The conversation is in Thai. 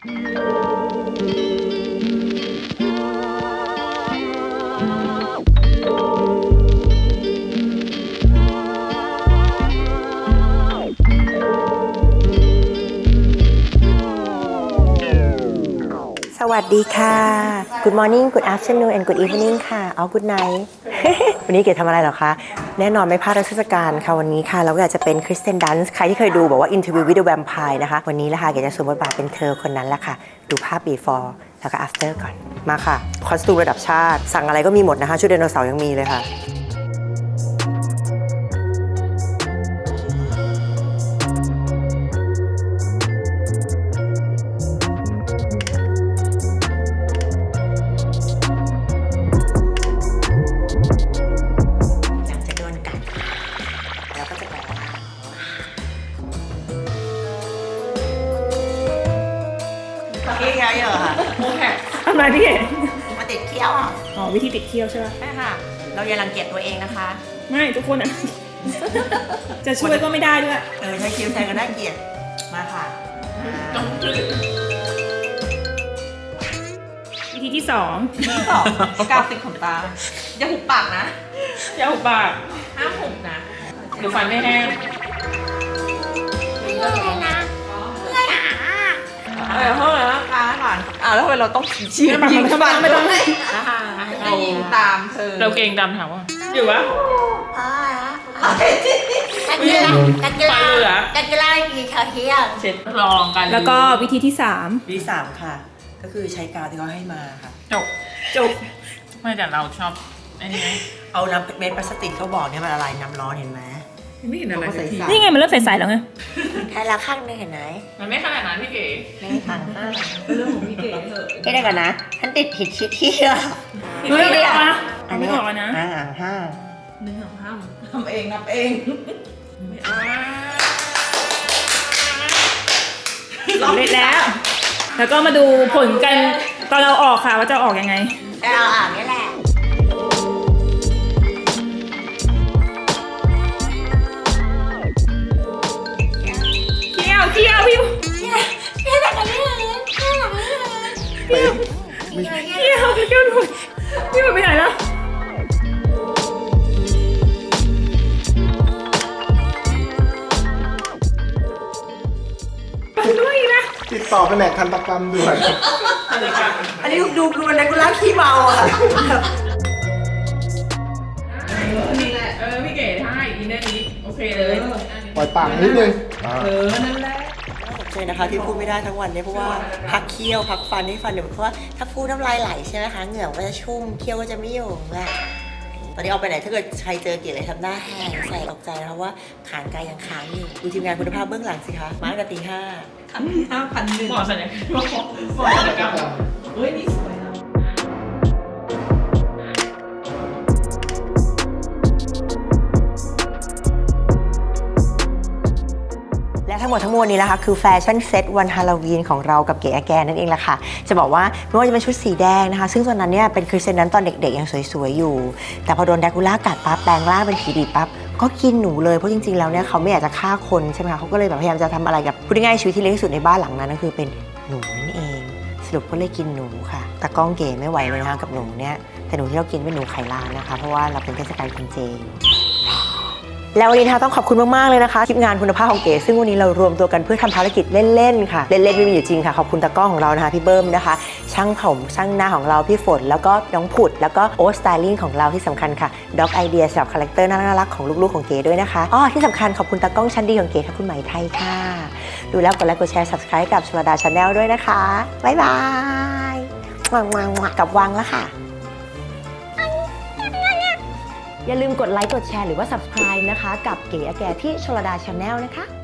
สวัสดีค่ะ Good morning Good afternoon and Good evening ค่ะ Good night วันนี้เก๋ทำอะไรเหรอคะแน่นอนไม่พลาดเทศกาลค่ะวันนี้ค่ะเราก็อยากจะเป็นคริสเตียนดันส์ใครที่เคยดูบอกว่า Interview with the Vampire นะคะวันนี้แหละค่ะเก๋จะสวมบทบาทเป็นเธอคนนั้นแหละค่ะดูภาพ before แล้วก็ after ก่อนมาค่ะคอสตูมระดับชาติสั่งอะไรก็มีหมดนะคะชุดไดโนเสาร์ยังมีเลยค่ะเคี้ยวเยอะค่ะทำไมพี่เอ๋มาติดเคี้ยวอ่ะอ๋อวิธีติดเคี้ยวใช่ไหมใช่ค่ะเราอย่ารังเกียจตัวเองนะคะไม่ทุกคนอ่ะ จะช่วยก็ไม่ได้ด้วยใช้คิ้วแทนก็น่าเกลียดมาค่ะวิธีที่2 กาวติดขนตาอย่าหุบปากนะอย่าหุบปากห้ามหุบนะเดี๋ยวฟันไม่แห้งไม่ได้นะห้องแล้วค้าก่อนแล้วทำไมเราต้องชี้ยิงฟันไม่ต้องให้ยิงตามเธอเราเก่งดำถามว่าอยู่วะกันกีฬากี่คาเทียเช็ดลองกันแล้วก็วิธีที่ 3ค่ะก็คือใช้กาวที่เขาให้มาค่ะจบไม่แต่เราชอบไอ้นี่ไหมเอาน้ำเม็ดพลาสติกเขาบอกเนี่ยมันละลายน้ำร้อนเห็นไหมไม่เห็นอะไรนี่ไงมันเริ่มใสๆแล้วไงแค่ละข้างนึงเห็นไหมมันไม่ขนาดนั้นพี่เก๋ไม่ต่างมากเรื่องของพี่เก๋เถอะไม่ได้กันนะฉันติดผิดคิดที่ไม่ได้อะอันนี้บอกนะทำเองนับเองสำเร็จแล้วก็มาดูผลกันตอนเราออกค่ะว่าจะออกยังไงเราอ่านนี่แหละเที่ยวพี่แบบนี้เลยเที่ยวหมดพี่หมดไปไหนแล้วด้วยนะติดต่อแผนกทันตกรรมด้วยอันนี้ดูมันนักกุล่าขี้เมาอ่ะนี่แหละพี่เก๋ท่าอีนั่นนี้โอเคเลยปล่อยปากนิดนึงนั่นแหละใช่นะคะที่พูดไม่ได้ทั้งวันเนี่ยเพราะว่าพักเคี้ยวพักฟันให้ฟันเดี๋ยวเพราะว่าถ้าพูดน้ำลายไหลใช่ไหมคะเหงื่อก็จะชุ่มเคี้ยวก็จะไม่อยู่แหละตอนนี้ออกไปไหนถ้าเกิดใครเจอเกียรติอะไรทำหน้าแห้งใส่ตกใจนะคะว่าขานกายยังค้างอยู่ดูทีมงานคุณภาพเบื้องหลังสิคะมาตั้งแต่ตี 5,100 หมอสัญญาหมอสัญญากรรมเฮ้ยนี่สวยนะและทั้งหมดทั้งมวลนี้นะคะคือแฟชั่นเซตวันฮาโลวีนของเรากับเก๋แกนั่นเองแหละค่ะจะบอกว่าไม่ว่าจะเป็นชุดสีแดงนะคะซึ่งตอนนั้นเนี่ยเป็นคริสเตียนนั้นตอนเด็กๆยังสวยๆอยู่แต่พอโดนแดกูล่ากัดปั๊บแปลงร่างเป็นผีดิบปั๊บก็กินหนูเลยเพราะจริงๆแล้วเนี่ยเขาไม่อยากจะฆ่าคนใช่ไหมคะเขาก็เลยแบบพยายามจะทำอะไรกับพูดง่ายๆชีวิตที่เล็กที่สุดในบ้านหลังนั้นก็คือเป็นหนูนั่นเองสรุปก็เลยกินหนูค่ะแต่กล้องเก๋ไม่ไหวเลยนะคะกับหนูเนี่ยแต่หนูที่เรากินเป็นหนูไข่ลานนะคะเพราะว่าเราเป็นเทศกาลกินเจแล้ววันนี้ต้องขอบคุณมากๆเลยนะคะทีมงานคุณภาพของเก๋ซึ่งวันนี้เรารวมตัวกันเพื่อทำภารกิจเล่นๆค่ะเล่นๆไม่มีอยู่จริงค่ะขอบคุณตากล้องของเรานะคะพี่เบิ้มนะคะช่างผมช่างหน้าของเราพี่ฝนแล้วก็น้องผุดแล้วก็โอ๊ตสไตลิ่งของเราที่สำคัญค่ะด็อกไอเดียสำหรับคาแรคเตอร์น่ารักของลูกๆของเก๋ด้วยนะคะที่สำคัญขอบคุณตากล้องชั้นดีของเก๋ค่ะคุณไหมไทยค่ะดูแล้วกดไลค์กดแชร์ Subscribe กับชลดา Channel ด้วยนะคะบ๊ายบายกับวังแล้วค่ะอย่าลืมกดไลค์กดแชร์หรือว่า Subscribe นะคะกับเก๋แก่ที่ชลดา Channel นะคะ